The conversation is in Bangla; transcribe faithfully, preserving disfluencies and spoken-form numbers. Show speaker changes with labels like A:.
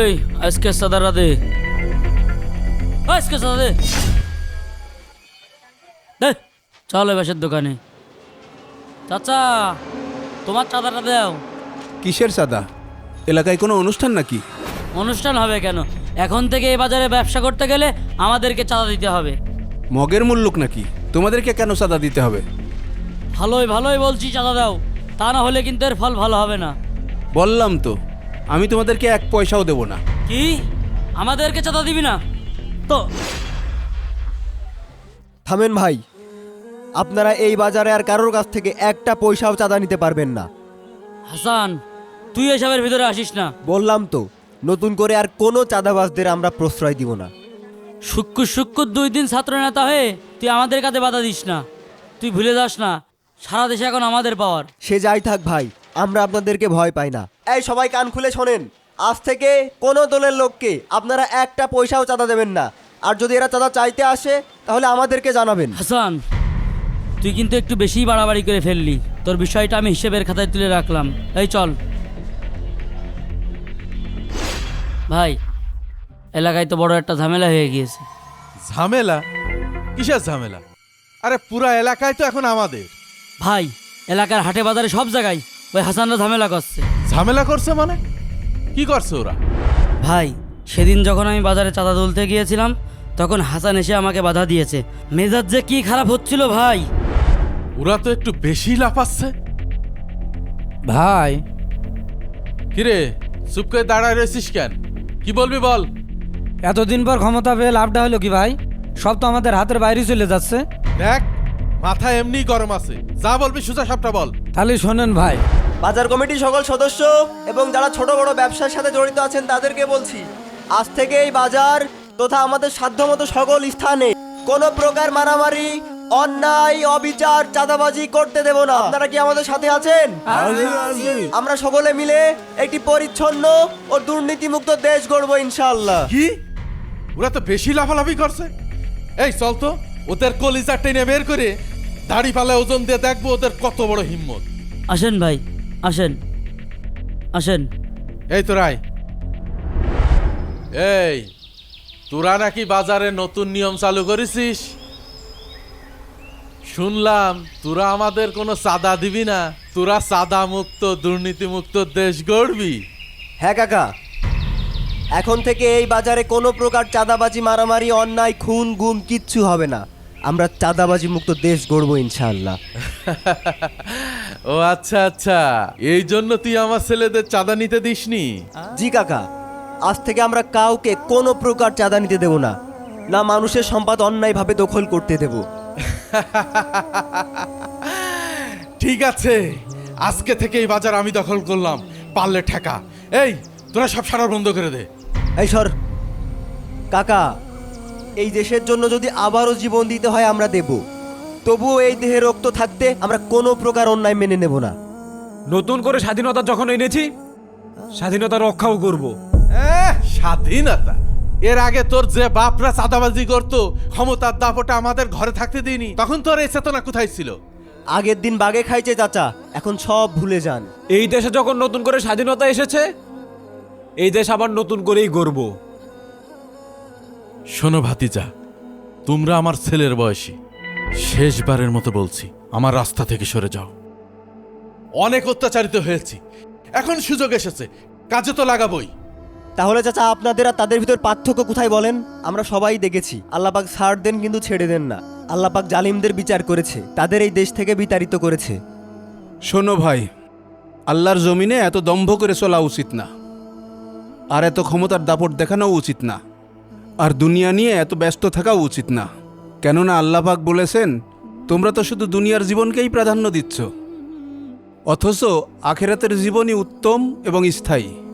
A: এই আজকে চাঁদাটা দে, আজকে চাঁদা দে দে। চল ওই বাসের দোকানে। চাচা তোমার চাঁদাটা দাও।
B: কিসের চাঁদা? এলাকায় কোনো অনুষ্ঠান নাকি?
A: অনুষ্ঠান হবে কেন? এখন থেকে এই বাজারে ব্যবসা করতে গেলে আমাদেরকে চাঁদা দিতে হবে।
B: মগের মুল্লুক নাকি? তোমাদেরকে কেন চাঁদা দিতে হবে?
A: ভালোই ভালোই বলছি চাঁদা দাও, তা না হলে কিন্তু এর ফল ভালো হবে না।
B: বললাম তো, আমি তোমাদেরকে এক পয়সাও দেব না।
A: কি আমাদেরকে চাঁদা দিবি না তো?
C: থামেন ভাই, আপনারা এই বাজারে আর কারোর কাছ থেকে একটা পয়সাও চাঁদা নিতে পারবেন না।
A: হাসান তুই এসবের ভিতরে আসিস না।
C: বললাম তো, নতুন করে আর কোনো চাঁদাবাজদের আমরা প্রশ্রয় দিব না।
A: শুক্কুর শুক্কুর দুই দিন ছাত্র নেতা হয়ে তুই আমাদের কাছে বাধা দিস না। তুই ভুলে যাস না সারা দেশে এখন আমাদের পাওয়ার।
C: সে যাই থাক ভাই, আমরা আপনাদেরকে ভয় পাই না। এই সবাই কান খুলে শোনেন, আজ থেকে কোনো দলের লোককে আপনারা একটা পয়সাও চাঁদা দেবেন না। আর যদি এরা চাঁদা চাইতে আসে তাহলে আমাদেরকে জানাবেন।
A: হাসান তুই কিন্তু একটু বেশিই বাড়াবাড়ি করে ফেললি। তোর বিষয়টা আমি হিসেবের খাতায় তুলে রাখলাম। এই চল ভাই, এলাকায় তো বড় একটা ঝামেলা হয়ে গিয়েছে।
D: ঝামেলা? কিসের ঝামেলা? আরে পুরা এলাকায় তো এখন আমাদের।
A: ভাই এলাকার হাটে বাজারে সব জায়গায় ওই হাসানরা ঝামেলা করছে।
D: ঝামেলা করছে মানে? কি করছে ওরা?
A: ভাই সেদিন যখন আমি বাজারে চাঁদা তুলতে গিয়েছিলাম তখন হাসান এসে আমাকে বাধা দিয়েছে। মেজাজ যে কি খারাপ হচ্ছিল ভাই।
D: ওরা তো একটু বেশি লাফাচ্ছে।
E: ভাই
D: কিরে চুপ করে দাঁড়ায় রয়েছিস কেন? কি বলবি বল।
E: এতদিন পর ক্ষমতা পেয়ে লাভটা হলো কি ভাই? সব তো আমাদের হাতের বাইরে চলে যাচ্ছে।
D: দেখ মাথা এমনি গরম আছে, যা বলবি সোজা সবটা বল।
E: তাহলে শোনেন ভাই,
C: বাজার কমিটির সকল সদস্য এবং যারা ছোট বড় ব্যবসার সাথে জড়িত আছেন তাদেরকে বলছি, আজ থেকে এই বাজার তথা আমাদের সাধ্যমতো সকল স্থানে কোনো প্রকার মারামারি, অন্যায়, অবিচার, চাঁদাবাজি করতে দেব না। আপনারা কি আমাদের সাথে আছেন? আমরা সকলে মিলে একটি পরিচ্ছন্ন ও দুর্নীতিমুক্ত দেশ গড়ব ইনশাআল্লাহ।
D: কি? ওরা তো বেশি লাফালাফি করছে। এই চল তো ওদের কলিজা টেনে বের করে দাড়ি পাল্লায় ওজন দিয়ে দেখবো ওদের কত বড় হিম্মত।
A: আসেন ভাই আসেন আসেন।
D: এই তোরাই, এই তোরা নাকি বাজারে নতুন নিয়ম চালু করেছিস? শুনলাম তোরা আমাদের কোনো চাঁদা দিবি না, তোরা চাঁদা মুক্ত দুর্নীতি মুক্ত দেশ গড়বি।
C: হ্যাঁ কাকা, এখন থেকে এই বাজারে কোনো প্রকার চাঁদাবাজি, মারামারি, অন্যায়, খুন গুম কিচ্ছু হবে না। আমরা চাঁদাবাজি মুক্ত দেশ গড়ব ইনশাআল্লাহ।
D: ও আচ্ছা আচ্ছা, এই জন্য তুই আমার ছেলেদের চাঁদা নিতে দিসনি?
C: জি কাকা, আজ থেকে আমরা কাউকে কোনো প্রকার চাঁদা নিতে দেব না, না মানুষের সম্পদ অন্যায়ভাবে দখল করতে দেব।
D: ঠিক আছে, আজকে থেকে এই বাজার আমি দখল করলাম, পারলে ঠেকা। এই তোরা সব সারা বন্ধ করে দে।
C: এই সর কাকা, এই দেশের জন্য যদি আবারও জীবন দিতে হয় আমরা দেব, তবুও এই দেহে রক্ত থাকতে আমরা কোনো প্রকার অন্যায় মেনে নেব না।
E: নতুন করে স্বাধীনতা যখন এনেছি, স্বাধীনতা রক্ষাও করব।
D: এহ, স্বাধীনতা? এর আগে তোর যে বাপরা চাঁদাবাজি করতো, ক্ষমতার দাপটে আমাদের ঘরে থাকতে দিইনি, তখন তোর এই চেতনা কোথায় ছিল?
C: আগের দিন বাগে খাইছে চাচা, এখন সব ভুলে যান।
E: এই দেশে যখন নতুন করে স্বাধীনতা এসেছে, এই দেশ আবার নতুন করেই গড়ব।
D: শোনো ভাতিজা, তোমরা আমার ছেলের বয়সী, শেষবারের মতো বলছি আমার রাস্তা থেকে সরে যাও। অনেক অত্যাচারিত হয়েছি, এখন সুযোগ এসেছে, কাজে তো লাগাবই।
C: তাহলে চাচা আপনাদের আর তাদের ভিতর পার্থক্য কোথায় বলেন? আমরা সবাই দেখেছি, আল্লাহ পাক ছাড় দেন কিন্তু ছেড়ে দেন না। আল্লাহ পাক জালিমদের বিচার করেছে, তাদের এই দেশ থেকে বিতাড়িত করেছে।
B: শোনো ভাই, আল্লাহর জমিনে এত দম্ভ করে চলা উচিত না, আর এত ক্ষমতার দাপট দেখানো উচিত না, আর দুনিয়া নিয়ে এত ব্যস্ত থাকাও উচিত না। কেননা আল্লাহ পাক বলেছেন, তোমরা তো শুধু দুনিয়ার জীবনকেই প্রাধান্য দিচ্ছ, অথচ আখেরাতের জীবনই উত্তম এবং স্থায়ী।